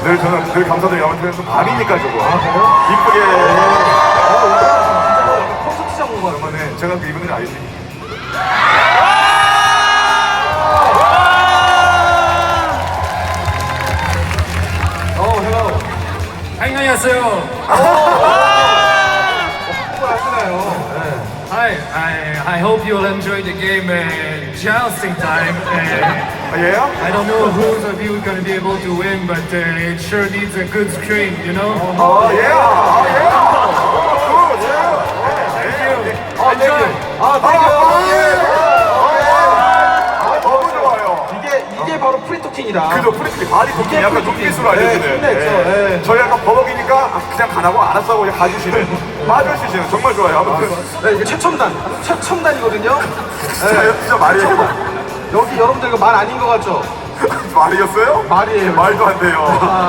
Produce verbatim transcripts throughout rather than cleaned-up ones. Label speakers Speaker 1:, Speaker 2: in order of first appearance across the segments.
Speaker 1: 늘 저는 늘 감사드려요. 아무튼 또 밤이니까 저거.
Speaker 2: 아, 그래요?
Speaker 1: 이쁘게.
Speaker 2: 진짜 콘서트장 온 거 같아요.
Speaker 1: 네, 제가 그 입은 일 알지?
Speaker 2: 어, hello.
Speaker 3: 안녕하세요.
Speaker 2: 한국말 하시나요? 네.
Speaker 3: Hi, I I hope you'll enjoy the game uh, jousting time. Uh,
Speaker 1: 아, 얘요?
Speaker 3: I don't know who's of you gonna be able to win, but uh, it sure needs a good screen, you know.
Speaker 1: 아, 예. 아, 예. 굿, 예.
Speaker 2: 아,
Speaker 3: Enjoy.
Speaker 2: 아,
Speaker 1: 아,
Speaker 2: 땡큐.
Speaker 1: 예. 아, 너무 좋아요.
Speaker 2: 이게, 이게 바로 프리토킹이다.
Speaker 1: 그죠, 프리스키 바디 도킹 약간 눈빛으로 알려주는.
Speaker 2: 네, 힘냈죠. 네.
Speaker 1: 저희 약간 버벅이니까 아, 그냥 가라고 알았어 하고 그냥 가주시는. 맞아주시는 정말 좋아요. 아무튼.
Speaker 2: 네, 이게 최첨단. 최첨단이거든요.
Speaker 1: 진짜, 진짜 말이에요.
Speaker 2: 여기 여러분들 이거 말 아닌 거 같죠?
Speaker 1: 말이었어요?
Speaker 2: 말이에요.
Speaker 1: 말도 안 돼요.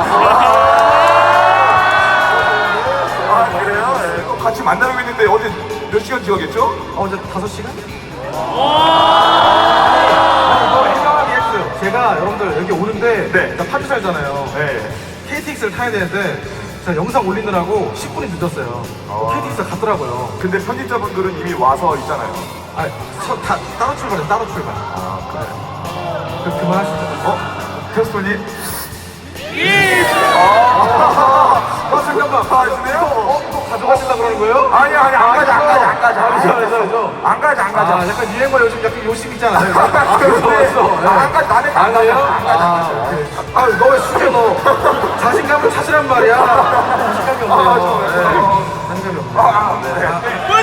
Speaker 1: 아, 그래요? 네. 또 같이 만나려고 했는데 어제 몇 시간 지나겠죠?
Speaker 2: 어, 이제 다섯 시간? 아니, 이거 해명하게 했어요. 제가 여러분들 여기 오는데
Speaker 1: 네.
Speaker 2: 나 파주 살잖아요.
Speaker 1: 네.
Speaker 2: 케이티엑스를 타야 되는데 제가 영상 올리느라고 십 분이 늦었어요.
Speaker 1: 어.
Speaker 2: 케이티엑스가 갔더라고요.
Speaker 1: 근데 편집자분들은 이미 와서 있잖아요.
Speaker 2: 아, 저, 다, 따로 출발해, 따로 출발.
Speaker 1: 아, 그래요?
Speaker 2: 그, 그만하시죠.
Speaker 1: 어? 테스토니?
Speaker 2: 아, 잠깐만.
Speaker 1: 가시네요?
Speaker 2: 어, 또 가져가시려고 그러는 거예요?
Speaker 1: 아니, 아니, 안 가자, 안 가자, 안 가자.
Speaker 2: 아, 그죠, 그죠, 그죠.
Speaker 1: 안 가자, 안 가자.
Speaker 2: 아, 약간 유행어 요즘 약간 요심 있잖아요. 아,
Speaker 1: 아,
Speaker 2: 그래서
Speaker 1: 근데
Speaker 2: 왔어. 네.
Speaker 1: 안 가자, 나는 안
Speaker 2: 아니에요?
Speaker 1: 가자, 안 가자.
Speaker 2: 아, 오케이. 아, 너 왜 숙여, 너? 자신감을 찾으란 말이야. 자신감이 없네요.
Speaker 1: 아, 좋아요.
Speaker 2: 네. 자신감이 없네요.
Speaker 1: 아, 네.
Speaker 2: 아,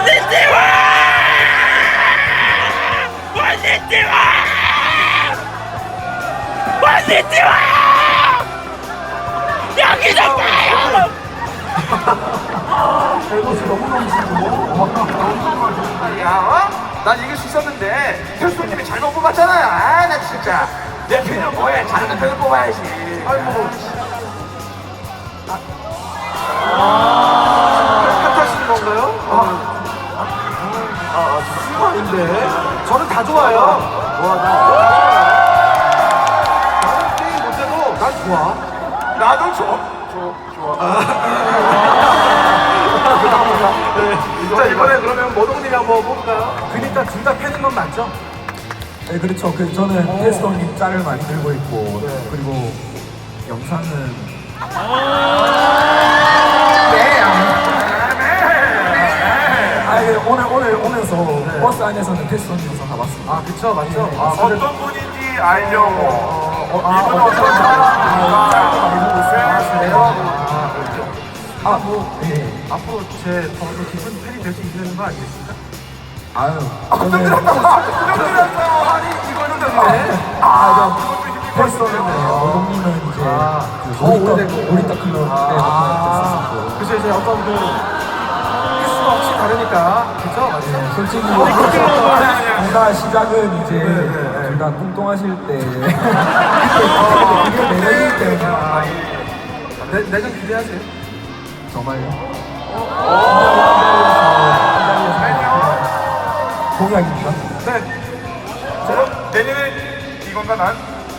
Speaker 1: 야, 어? 난 이길 수 있었는데 테스토님이 잘못 뽑았잖아요. 아, 나 진짜. 내 편은 뭐해? 잘하는 편을 뽑아야지.
Speaker 2: 아이고. 탓하시는 건가요? 아, 아, 아, 아닌데. 저는 다 좋아요. 와, 나. 나는 게임 못해도 난 좋아.
Speaker 1: 나도 줘. 줘, 좋아.
Speaker 2: 자, 이번에 그러면 모동님이 한번 뽑을까요?
Speaker 4: 그러니까 둘 다 팬인 건 맞죠? 네, 그렇죠. 그 저는 테스터님 짤을 많이 들고 있고
Speaker 2: 네.
Speaker 4: 그리고 영상은 아, 예, 오늘 오늘 오면서 버스 안에서는 테스터님 영상 다 봤습니다.
Speaker 2: 아, 그쵸, 맞죠?
Speaker 4: 네.
Speaker 2: 아,
Speaker 1: 어떤 분인지 알려고.
Speaker 4: 어, 아,
Speaker 1: 이분
Speaker 4: 어,
Speaker 1: 어떤
Speaker 4: 아,
Speaker 1: 사람?
Speaker 4: 짤도 많이 보고 있어요.
Speaker 2: 아, 그래요? 아, 그렇죠.
Speaker 4: 아, 뭐, 예.
Speaker 2: 앞으로 제 더 깊은 팬이 될 수 있는 거 아니겠습니까?
Speaker 4: 아유, 저는
Speaker 2: 아니, 이거는 네.
Speaker 4: 아, 저 테스터는 오동님은 이제
Speaker 2: 아,
Speaker 4: 그
Speaker 2: 더
Speaker 4: 놀이터
Speaker 2: 오래되고.
Speaker 4: 놀이터 클럽 때부터
Speaker 2: 그래서 이제 어떤 그 횟수가 없이 다르니까 그죠? 맞죠?
Speaker 4: 네, 솔직히
Speaker 2: 그렇게
Speaker 4: 둘 다 시작은 이제
Speaker 2: 네.
Speaker 4: 둘 다 뚱뚱하실 때 그게 매력이기 때문에
Speaker 2: 아, 내, 내년 기대하세요.
Speaker 4: 정말요? 공약입니다.
Speaker 2: 네.
Speaker 1: 저 내년에 이건가 난?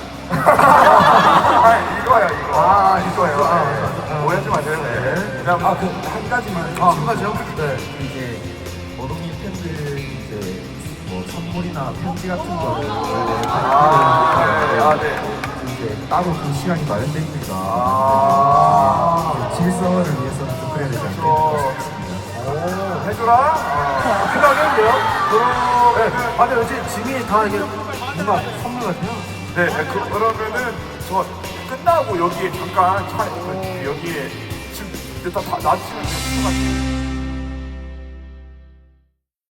Speaker 1: 아, 이거야, 이거.
Speaker 2: 아,
Speaker 1: 이거예요.
Speaker 2: 이거. 아,
Speaker 1: 네.
Speaker 2: 아,
Speaker 1: 오해하지 마세요. 네. 그냥
Speaker 4: 아 그 한 가지만
Speaker 2: 아, 한 가지요? 네.
Speaker 4: 이제 어동이 팬들 이제 뭐 선물이나 편지 같은 거를 원래
Speaker 1: 아, 네. 아, 네.
Speaker 4: 이제 따로 그 시간이 마련돼 있으니까
Speaker 1: 아.
Speaker 4: 질서를 위해서는 좀 그래야 되지 않을까
Speaker 1: 어.
Speaker 4: 싶습니다.
Speaker 1: 오, 해줘라. 아.
Speaker 2: 그다음에요?
Speaker 1: 그러면
Speaker 2: 네. 아, 근데 왠지 짐이 다 이게 뭔가 선물 같아요.
Speaker 1: 네, 네, 그, 그러면은 저 끝나고 여기에 잠깐 차 여기에 지금 일단 다 놔주시면 될것 같아요.